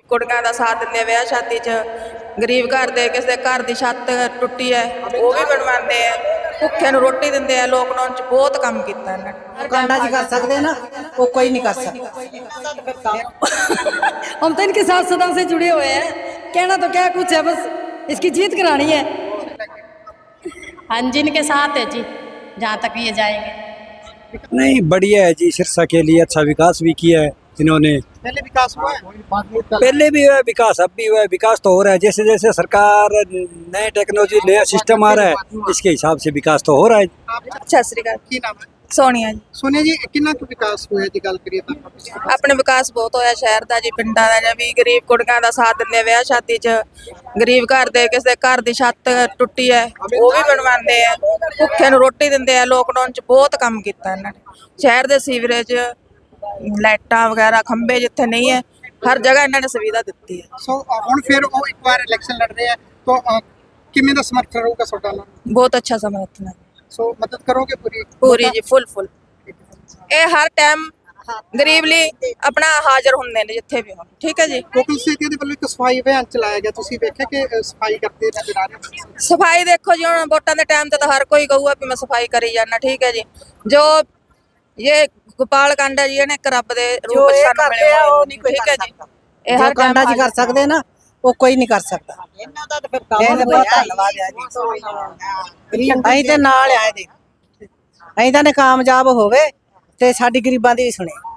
ਕੁੜੀਆਂ ਦਾ ਸਾਥ ਦਿੰਦੇ ਆ ਵਿਆਹ ਸ਼ਾਦੀ 'ਚ। ਗਰੀਬ ਘਰ ਦੇ ਕਿਸੇ ਦੇ ਘਰ ਦੀ ਛੱਤ ਟੁੱਟੀ ਹੈ ਉਹ ਵੀ ਬਣਵਾਉਂਦੇ ਆ, ਭੁੱਖੇ ਨੂੰ ਰੋਟੀ ਦਿੰਦੇ ਆ। ਲੋਕਡਾਊਨ 'ਚ ਬਹੁਤ ਕੰਮ ਕੀਤਾ ਇਹਨਾਂ ने। कांडा जी कर सकते ना, वो कोई नहीं कर सकता। हम तो इनके साथ सदा से जुड़े हुए हैं, कहना तो क्या कुछ है, बस इसकी जीत करानी है। हाँ जी, इनके साथ है जी, जहाँ तक ये जाएंगे। नहीं, बढ़िया है जी। सिरसा के लिए अच्छा विकास भी किया है इन्होंने। पहले विकास हुआ है, पहले भी हुआ है विकास, अब भी हुआ है विकास, तो हो रहा है। जैसे जैसे सरकार नए टेक्नोलॉजी नया सिस्टम आ रहा है, इसके हिसाब से विकास तो हो रहा है। ਸਤਿ ਸ੍ਰੀ ਅਕਾਲ। की नाम है? ਸੋਨੀਆ ਜੀ। सोनिया जी, कितना कुछ विकास हुआ है जी? गल करिए तो ਆਪਣੇ ਵਿਕਾਸ ਬਹੁਤ ਹੋਇਆ ਸ਼ਹਿਰ ਦਾ ਜੀ, ਪਿੰਡਾਂ ਦਾ ਜੀ। ਵੀ ਗਰੀਬ ਕੁੜੀਆਂ ਦਾ ਸਾਥ ਦਿੰਦੇ ਆ ਵਿਆਹ ਸ਼ਾਦੀ 'ਚ। ਗਰੀਬ ਘਰ ਦੇ ਕਿਸੇ ਦੇ ਘਰ ਦੀ ਛੱਤ ਟੁੱਟੀ ਹੈ ਉਹ ਵੀ ਬਣਵਾਉਂਦੇ ਆ, ਭੁੱਖੇ ਨੂੰ ਰੋਟੀ ਦਿੰਦੇ ਆ। ਲੋਕਡਾਊਨ 'ਚ ਬਹੁਤ ਕੰਮ ਕੀਤਾ ਇਹਨਾਂ ਨੇ। ਸ਼ਹਿਰ ਦੇ ਸੀਵਰੇਜ, ਲਾਈਟਾਂ ਵਗੈਰਾ, ਖੰਭੇ ਜਿੱਥੇ ਨਹੀਂ ਹੈ, ਹਰ ਜਗ੍ਹਾ ਇਹਨਾਂ ਨੇ ਸੁਵਿਧਾ ਦਿੱਤੀ ਹੈ। ਸੋ ਹੁਣ ਫਿਰ ਉਹ ਇੱਕ ਵਾਰ ਇਲੈਕਸ਼ਨ ਲੜ ਰਹੇ ਆ ਤਾਂ ਕਿਵੇਂ ਦਾ ਸਮਰਥਨ ਰਹੂਗਾ ਤੁਹਾਡਾ ਨਾਲ? ਬਹੁਤ ਅੱਛਾ ਸਮਰਥਨ ਹੈ। ਸੋ ਮਦਦ ਕਰੋਗੇ ਪੂਰੀ? ਪੂਰੀ ਜੀ, ਫੁੱਲ ਇਹ ਹਰ ਟਾਈਮ ਗਰੀਬ ਲਈ ਆਪਣਾ ਹਾਜ਼ਰ ਹੁੰਦੇ ਨੇ ਜਿੱਥੇ ਵੀ ਹੋਣ। ਠੀਕ ਹੈ ਜੀ। ਕੋਕਲ ਸਿਟੀ ਦੇ ਵੱਲੋਂ ਇੱਕ ਸਫਾਈ ਅਭਿਆਨ ਚਲਾਇਆ ਗਿਆ, ਤੁਸੀਂ ਵੇਖਿਆ ਕਿ ਸਫਾਈ ਕਰਦੇ ਨਜ਼ਰ ਆ ਰਹੇ ਹੋ? ਸਫਾਈ ਦੇਖੋ ਜੀ, ਹੁਣ ਵੋਟਾਂ ਦੇ ਟਾਈਮ ਤੇ ਤਾਂ ਹਰ ਕੋਈ ਕਹੂਗਾ ਵੀ ਮੈਂ ਸਫਾਈ ਕਰੀ ਜਾਣਾ। ਠੀਕ ਹੈ ਜੀ। ਜੋ ਇਹ ਗੋਪਾਲ ਕਾਂਡਾ ਜੀ, ਇਹਨੇ ਇੱਕ ਰੱਬ ਦੇ जो ਰੂਪ ये ਸਾਨੂੰ करते ਮਿਲਿਆ हैं वो नहीं कोई ਠੀਕ ਹੈ कर ਜੀ। सकता। ਇਹ जो ਹਰ कांडा जी ਟਾਈਮ कर सकते ना, वो कोई नहीं कर सकता। बहुत धन्यवाद है जी। ਅਸੀਂ ਤੇ ਨਾਲ ਆਏ ਜੀ, ਅਸੀਂ ਤਾਂ ਨੇ ਕਾਮਯਾਬ ਹੋਵੇ ਤੇ ਸਾਡੀ ਗਰੀਬਾਂ ਦੀ ਵੀ ਸੁਣੇ।